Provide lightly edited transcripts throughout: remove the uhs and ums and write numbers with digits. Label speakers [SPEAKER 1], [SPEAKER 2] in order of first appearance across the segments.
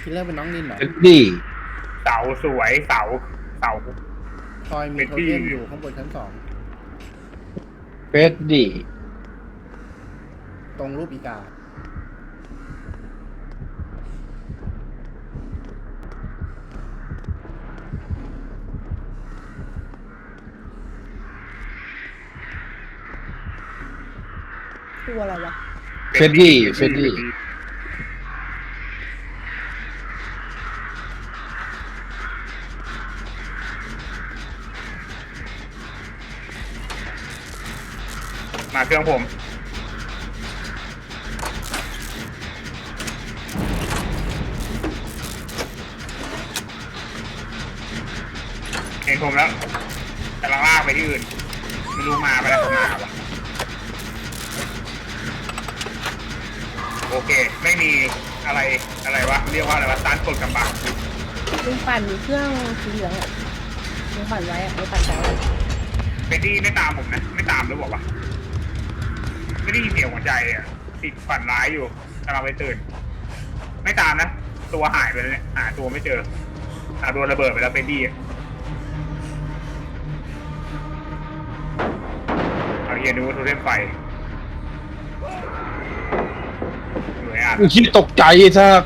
[SPEAKER 1] คิลเลอร์เป็นน้องนินเหรอ
[SPEAKER 2] เฟดดี้
[SPEAKER 3] เสาสวยเสาเสา
[SPEAKER 1] คอยมีโทเทมอยู่ข้างบนชั้น2
[SPEAKER 2] เฟดดี้
[SPEAKER 1] ตรงรูปอีกา
[SPEAKER 4] ตัวอะไรวะ
[SPEAKER 2] เฟดดี้เฟดดี้
[SPEAKER 3] มาเครื่องผมเห็นผมแล้วกำลังลากไปที่อื่นไม่รู้มาไปแล้วมาวะโอเคไม่มีอะไรวะเรียกว่าอะไรวะต้านกดกำบัง
[SPEAKER 4] ลุงปั่นเครื่องสีเหลืองอ่ะลุงปั่นไว้อ่ะลุงปั่นแถวอะ
[SPEAKER 3] เฟดดี้ไม่ตามผมนะไม่ตามหรือบอกว่าไม่ได้ยินเสียงหัวใจอ่ะติดฝันร้ายอยู่กำลังไปตื่นไม่ตามนะตัวหายไปเลยเนี่ยหาตัวไม่เจอโดนระเบิดไปแล้วเฟดดี้เอาเฮียดูโทรเทมไฟเหนื่อยอ่ะ
[SPEAKER 2] คิดตกใจซะ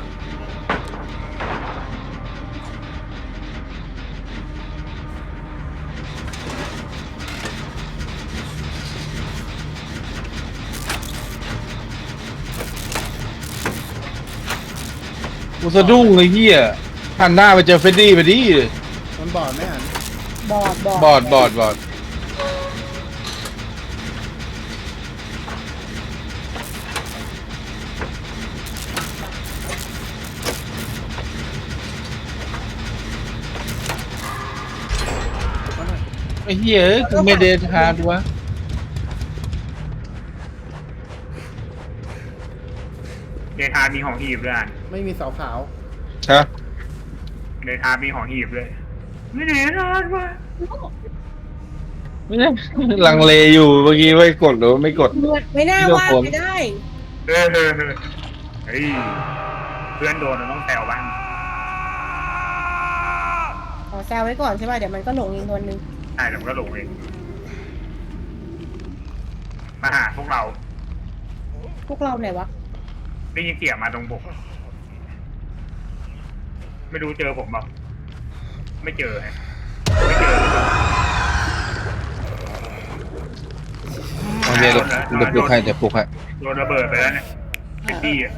[SPEAKER 2] กูสะดุ้งเลยเฮียหันหน้าไปเจอเฟดดี้พอดี
[SPEAKER 1] มันบอดไหมอ่ะ
[SPEAKER 4] บอด
[SPEAKER 2] บอดไอ้เฮียกูไม่เดทฮาร์ดวะ
[SPEAKER 3] เดทามีของหีบด้วยอ่ะ
[SPEAKER 1] ไม่มีเสาขาว
[SPEAKER 2] ฮะ
[SPEAKER 3] เดทามีของหีบเลยไม่เดทาวะ
[SPEAKER 2] ไม่ได้ลังเลอยู่เมื่อกี้ไม่กดหรือไม่กด
[SPEAKER 4] ไม่น่าว่าไม่ได้
[SPEAKER 3] เฮ้ยเพื่อนโดนเราต้องแซวบ้าง
[SPEAKER 4] ขอแซวไว้ก่อนใช่ป่ะเดี๋ยวมันก็หลงอีกตัวนึง
[SPEAKER 3] ใช่แต่มันก็หลงเองมาหาพวกเรา
[SPEAKER 4] พวกเราไหนวะ
[SPEAKER 3] ได้ยินเสียงมาตรงบกไม่รู้เจอผมเปล่าไม่เจอฮะไม่เจอ
[SPEAKER 2] โอเคเดี๋ยวปลุกให้เดี๋ยวปลุกให้
[SPEAKER 3] โดนระเบิดไปแล้วเนี่ยเป็นดีอ่ะ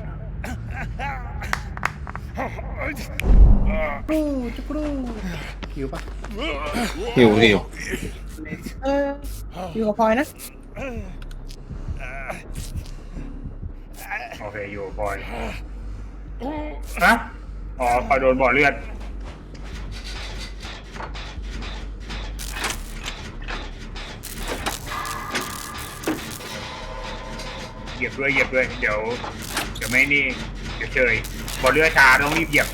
[SPEAKER 1] กรูจุกรูหิวปะ
[SPEAKER 2] หิว
[SPEAKER 4] อยู่กับพลอยนะ
[SPEAKER 3] โอเคอยู่บอยฮะอ๋อพอโดนบ่อเลือดเหยียบด้วยเดี๋ยวไม่นี่เดี๋ยวเฉยบ่อเลือดชาต้องรีบเหยียบ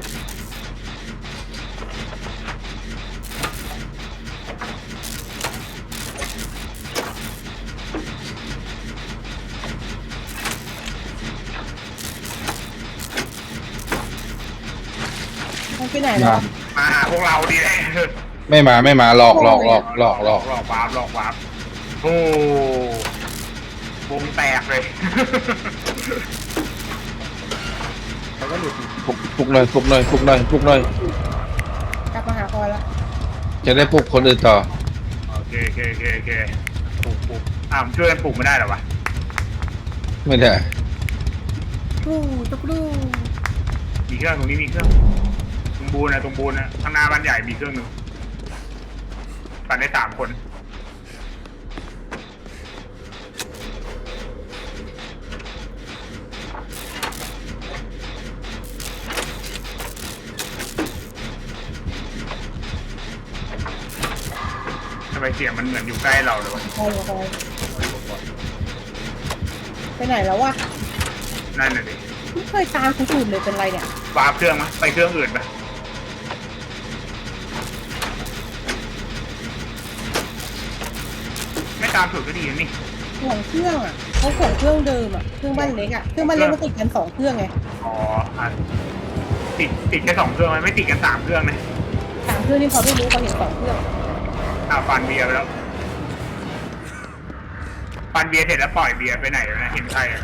[SPEAKER 4] มันไปไหนแล้ว
[SPEAKER 3] มาหาพวกเราดีเลย
[SPEAKER 2] ไม่มาหลอก
[SPEAKER 3] หลอกวาร์ปโอ้วงแตกเลย
[SPEAKER 1] เขาก็หลุด
[SPEAKER 2] ปลุกหน่อย
[SPEAKER 4] กลับมาหาพลอยแล้ว
[SPEAKER 2] จะได้ปลุกคนอื่นต่อ
[SPEAKER 3] โอเคปลุกช่วยกันปลุกไม่ได้หรอวะ
[SPEAKER 2] ไม่ได้
[SPEAKER 1] กรูจุกรู
[SPEAKER 3] มีเครื่องตรงนี้มีเครื่องตรงบูนนะข้างหน้าบ้านใหญ่มีเครื่องหนึ่งปั่นได้3 คนทำไมเสียงมันเหมือนอยู่ใกล้เราเลยวะ
[SPEAKER 4] พลอยไปไหนแล้ววะ
[SPEAKER 3] นั่นน่ะดิ
[SPEAKER 4] ไม่เคยตามคนอื่นเลยเป็นไรเนี่ยว
[SPEAKER 3] าร์ปเครื่องมั้ยไปเครื่องอื่นไปไม่ตามถูกก็ดีนะนี่
[SPEAKER 4] ห่วงเครื่องอ่ะเขาห่วงเครื่องเดิมอ่ะเครื่องบ้านเล็กอ่ะเครื่องบ้านเล็กมันติดกัน2 เครื่องไง
[SPEAKER 3] อ๋อติดแค่2 เครื่องมันไม่ติดกัน3 เครื่องนะ
[SPEAKER 4] 3 เครื่องที่เขาไม่รู้เขาเห็น2 เครื่อง
[SPEAKER 3] ฟันเบียร์ไปแล้วฟันเบียร์เสร็จแล้วปล่อยเบียร์ไปไหนแล้วนะเห็นใครอะ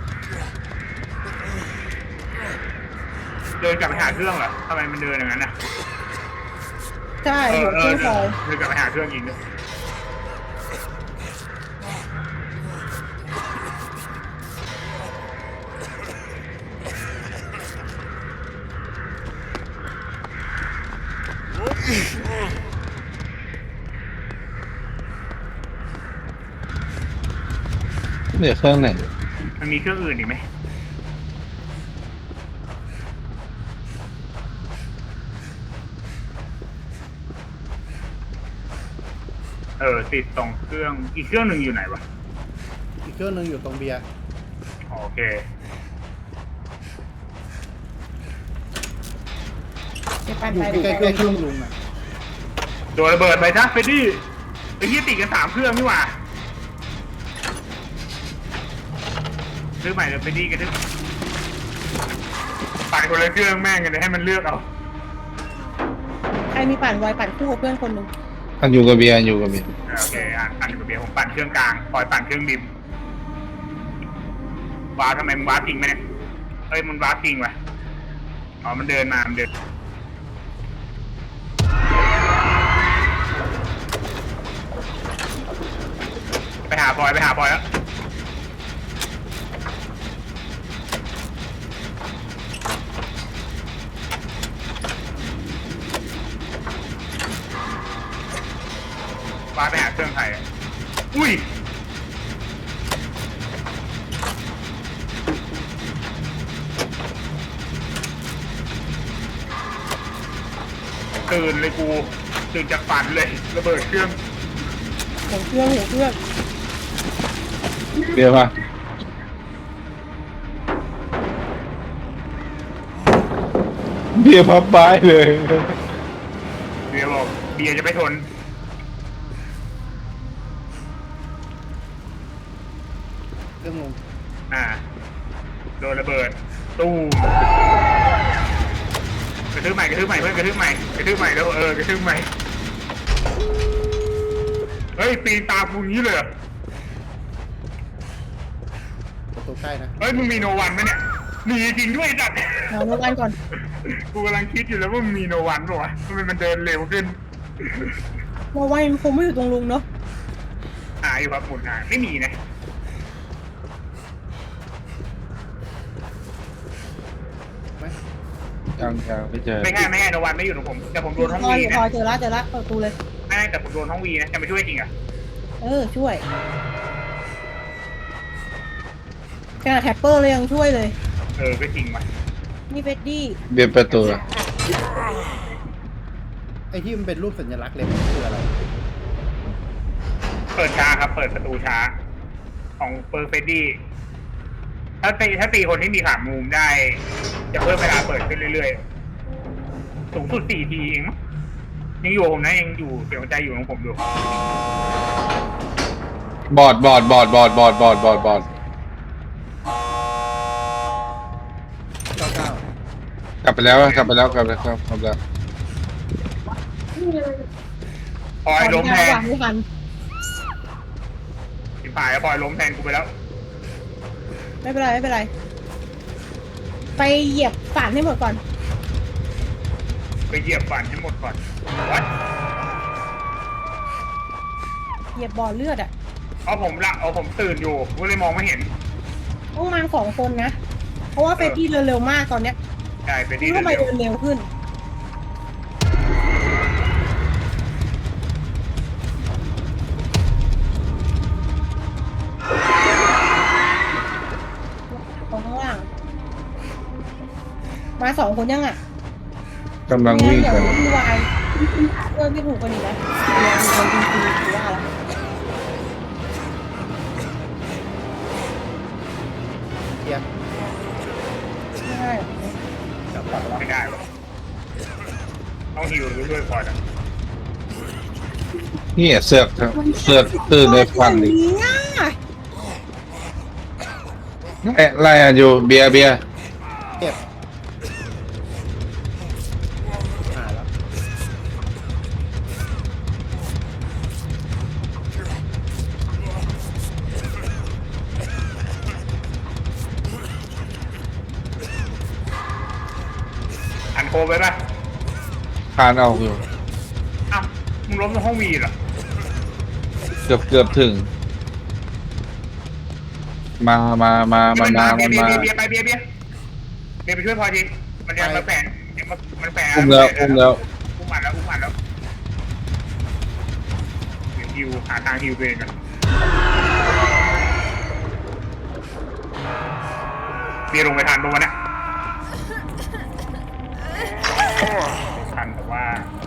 [SPEAKER 3] เดินกลับไปหาเครื่องเหรอทำไมมันเดินอย่างนั้นน่ะ
[SPEAKER 4] ใช่หัวเครื่องพลอย
[SPEAKER 3] เดินกลับไปหาเครื่องยิงด้วย
[SPEAKER 2] เหลือเครื่องไหน
[SPEAKER 3] มันมีเครื่องอื่นอีกไหมติด2 เครื่องอีกเครื่องหนึ่งอยู่ไหนวะ
[SPEAKER 1] อีกเครื่องหนึงอยู่ตรงเบียร์
[SPEAKER 3] โอเค
[SPEAKER 4] ไปปั่น
[SPEAKER 1] อยู่
[SPEAKER 4] ไป
[SPEAKER 1] ใกล้ๆเครื่องลุงอ่ะ
[SPEAKER 3] โดนระเบิดไปจ้ะเฟดดี้ไอ้ที่ติดกัน3 เครื่องนี่หว่าซื้อใหม่เลยเฟดดี้กันดิปั่นคนละเครื่องแม่งกันเลยให้มันเลือกเอา
[SPEAKER 4] ใครมีปั่นไวปั่นคู่กับเพื่อนคนหนึ่ง
[SPEAKER 2] อันอยู่กับเบียร์อยู่กับเบียร์
[SPEAKER 3] โอเคปั่นกับเบียร์ผมปั่นเครื่องกลางปล่อยปั่นเครื่องดิมว้าทำไมมึงว้าจริงไหมเนี่ยเฮ้ยมันว้าจริงวะอ๋อมันเดินมามันเดินไปหาพลอยแล้วว้าไปหาเครื่องไทยอุ้ยตื่นเลยกูตื่นจากฝันเลยระเบิดเครื่อง
[SPEAKER 4] หัวเครื่อง
[SPEAKER 2] เบียร์ป่ะเบียร์พับบ้ายเลย
[SPEAKER 3] เบียร์บอกเบียร์จะไม่ทน
[SPEAKER 1] เครื่องลุง
[SPEAKER 3] โดนระเบิดตู้มกระทืบใหม่เพื่อนกระทืบใหม่แล้วกระทืบใหม่เฮ้ยปีนตามกูงี้เลยเหรอ
[SPEAKER 1] ประตูใกล้นะ
[SPEAKER 3] เฮ้ยมึงมีโนวันไหมเนี่ยมีจริงด้วยจัด
[SPEAKER 4] เอาโนวันก่อน
[SPEAKER 3] กูกำลังคิดอยู่แล้วว่ามึงมีโนวันป่ะวะทำไมมันเดินเร็วขึ้น
[SPEAKER 4] โนวันมันคงไม่อยู่ตรงลุงเนาะ
[SPEAKER 3] หาอยู่ครับหมุนหาไม่มีนะ
[SPEAKER 1] ไหม
[SPEAKER 2] ยังไม่เจอ
[SPEAKER 3] ไม่ใช่โนวันไม่อยู่ตรงผมแต่ผมโดนห้อง
[SPEAKER 4] พอ
[SPEAKER 3] วี
[SPEAKER 4] อยู่
[SPEAKER 3] นะ
[SPEAKER 4] พอเจอละเปิดประตูเลย
[SPEAKER 3] ไม่แต่ผมโดนห้องวีนะจะมาช่วยจริงอ่ะ
[SPEAKER 4] ช่วยขนาดแท็ปเปอร์เลยยังช่วยเลย
[SPEAKER 3] ก็จริงว่ะ
[SPEAKER 4] นี่เฟดดี้
[SPEAKER 2] เบียร์ประตูอะ
[SPEAKER 1] ไอ้ที่มันเป็นรูปสัญลักษณ์เลยมันคืออะไร
[SPEAKER 3] เปิดช้าครับเปิดประตูช้าของเปอร์เฟดดี้ถ้าตีคนที่มีขามูมได้ จะเพิ่มเวลาเปิดขึ้นเรื่อยๆสูงสุด4 ทีเองมั้งยังอยู่ผมนะยังอยู่เสียงใจอยู่ของผมดู
[SPEAKER 2] บอด
[SPEAKER 1] เก้าเก้าก
[SPEAKER 2] ลับไปแล้วกลับไปแล้ว
[SPEAKER 3] พลอยล้มแทน
[SPEAKER 4] ไม่ทัน
[SPEAKER 3] สิบฝ่ายพลอยล้มแทนกูไปแล้ว
[SPEAKER 4] ไม่เป็นไรไปเหยียบฝานให้หมดก่อน
[SPEAKER 3] ไปเหยียบฝันให้หมดก่อนวัด
[SPEAKER 4] เหยียบบ่อเลือดอ่ะ
[SPEAKER 3] ผมตื่นอยู่ก็เลยมองไม่เห็น
[SPEAKER 4] ต้องมา2 คนนะเพราะว่าเฟดดี้เดินเร็วมากตอนเนี้ย
[SPEAKER 3] ใช่ไป
[SPEAKER 4] นี่
[SPEAKER 3] ที่
[SPEAKER 4] ทำไม
[SPEAKER 3] เร็ว
[SPEAKER 4] เดินเร็วขึ้นตรงข้างล่างมา2 คนยังอ่ะ
[SPEAKER 2] กำลังวิ่ง
[SPEAKER 4] เดี๋ยว
[SPEAKER 2] กัน
[SPEAKER 4] พี่วายเพื่อนไม่ถูกกันอีกนะเดี๋ยวคนจริงๆหรือว่าอะไร
[SPEAKER 1] เบียร์
[SPEAKER 4] ใช่
[SPEAKER 1] กลับก่อนแล้ว
[SPEAKER 3] ไม่ได้หรอกต้องฮิวหรือด้วยพลอยอ่ะ
[SPEAKER 2] นี่เสือกตื่นเลยควันดิ
[SPEAKER 4] นี้อ่ะ
[SPEAKER 2] ไล่อยู่เบียร์
[SPEAKER 1] เก็บ
[SPEAKER 3] โคไปป่ะ
[SPEAKER 2] คานออกอยู่
[SPEAKER 3] อ้าวมึงล้มในห้องวีเหรอ
[SPEAKER 2] เกือบถึง มา
[SPEAKER 3] เบียร์ไปเบียร์ไปช่วยพอทีมันจะมาแฝงมันแฝง
[SPEAKER 2] อุ้มแล้ว
[SPEAKER 3] อุ้มมันแล้วเดี๋ยวฮิวหาทางฮิวตัวเองกันเบียร์ลงไปทันตรงนั้นนะทันแต่ว่า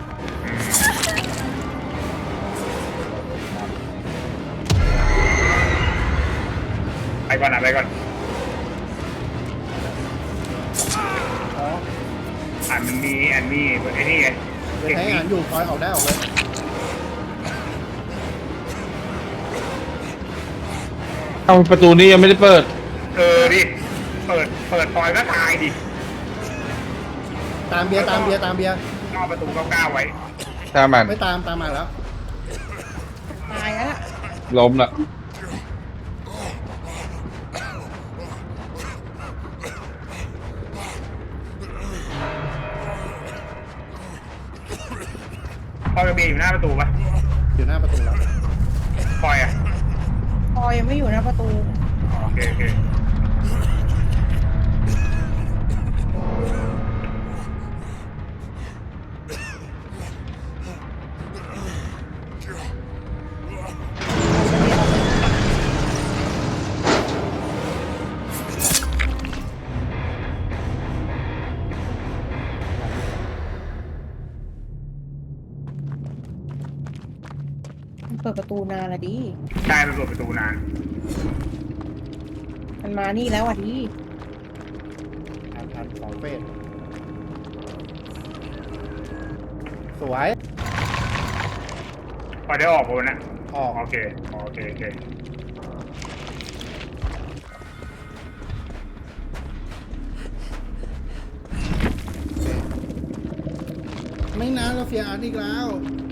[SPEAKER 3] ไปก่อนนะไปก่อน
[SPEAKER 1] อ๋อ
[SPEAKER 3] มันมีไอ้นี่ไง
[SPEAKER 1] เดี๋ยวใช้งานอยู่คอยออกได้ออกเลย
[SPEAKER 2] เอาประตูนี้ยังไม่ได้เปิด
[SPEAKER 3] ดิเปิดซอยก็ตายดิ
[SPEAKER 1] ตามเบียร์
[SPEAKER 3] นอกประตูก้าวไว้
[SPEAKER 2] ถ้ามัน
[SPEAKER 1] ไม่ตามมาแล้ว
[SPEAKER 4] ตายแล้วล่ะ
[SPEAKER 2] ล้มละ
[SPEAKER 3] พอยกับเบียร์อยู่หน้าประตูปะ
[SPEAKER 1] อยู่หน้าประตูแล้ว
[SPEAKER 3] พอยอ่ะ
[SPEAKER 4] พอยังไม่อยู่หน้าประตู
[SPEAKER 3] โอเค
[SPEAKER 4] มันเปิดประตูนานละดิ
[SPEAKER 3] ได้ไปเปิดประตูนาน
[SPEAKER 4] มันมานี่แล้วอ่ะดิ
[SPEAKER 1] ทันสองเฟสสวย
[SPEAKER 3] พอได้ออกโบนะ
[SPEAKER 1] ออก
[SPEAKER 3] โอเค
[SPEAKER 1] ไม่นานเราเฟียร์อาร์ตอีกแล้ว